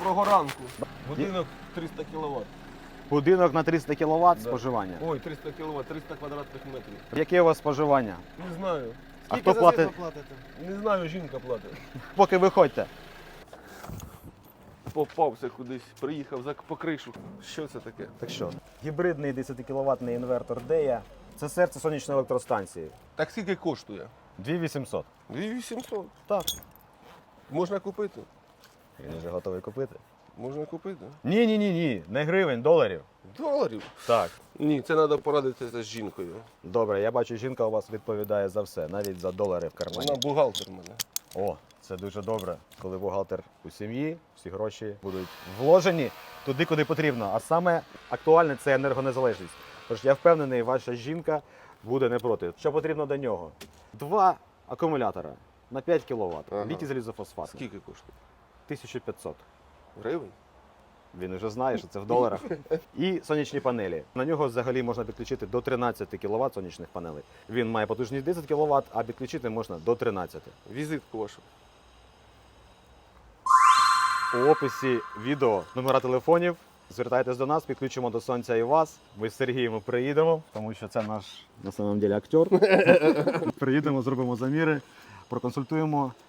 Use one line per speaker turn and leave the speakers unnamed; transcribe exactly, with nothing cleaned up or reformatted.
Доброго ранку. Будинок триста кіловат.
Будинок на триста кіловат
Да.
споживання.
Ой, триста кіловат, триста квадратних метрів.
Яке у вас споживання?
Не знаю.
А хто платить?
Не знаю, жінка платить.
Поки виходьте.
Попався кудись, приїхав за по кришу. Що це таке?
Так що, гібридний десятикіловатний інвертор Дея – це серце сонячної електростанції.
Так скільки коштує?
дві тисячі вісімсот.
дві тисячі вісімсот.
Так.
Можна купити?
Він вже готовий купити.
Можна купити.
Ні, ні, ні, ні, не гривень, доларів.
Доларів?
Так.
Ні, це треба порадитися з жінкою.
Добре, я бачу, жінка у вас відповідає за все, навіть за долари в кармані.
Вона бухгалтер в мене.
О, це дуже добре, коли бухгалтер у сім'ї, всі гроші будуть вложені туди, куди потрібно. А саме актуальне – це енергонезалежність. Тож я впевнений, ваша жінка буде не проти. Що потрібно до нього? Два акумулятора на п'ять кіловат,
Ага.
літій залізофосфат,
Скільки коштує?
тисяча п'ятсот.
Гривень?
Він вже знає, що це в доларах. І сонячні панелі. На нього взагалі можна підключити до тринадцяти кіловат сонячних панелей. Він має потужність десять кіловат, а підключити можна до тринадцяти.
Візитку вашу.
У описі відео номера телефонів. Звертайтесь до нас, підключимо до сонця і вас. Ми з Сергієм приїдемо, тому що це наш на самом деле актер. Приїдемо, зробимо заміри, проконсультуємо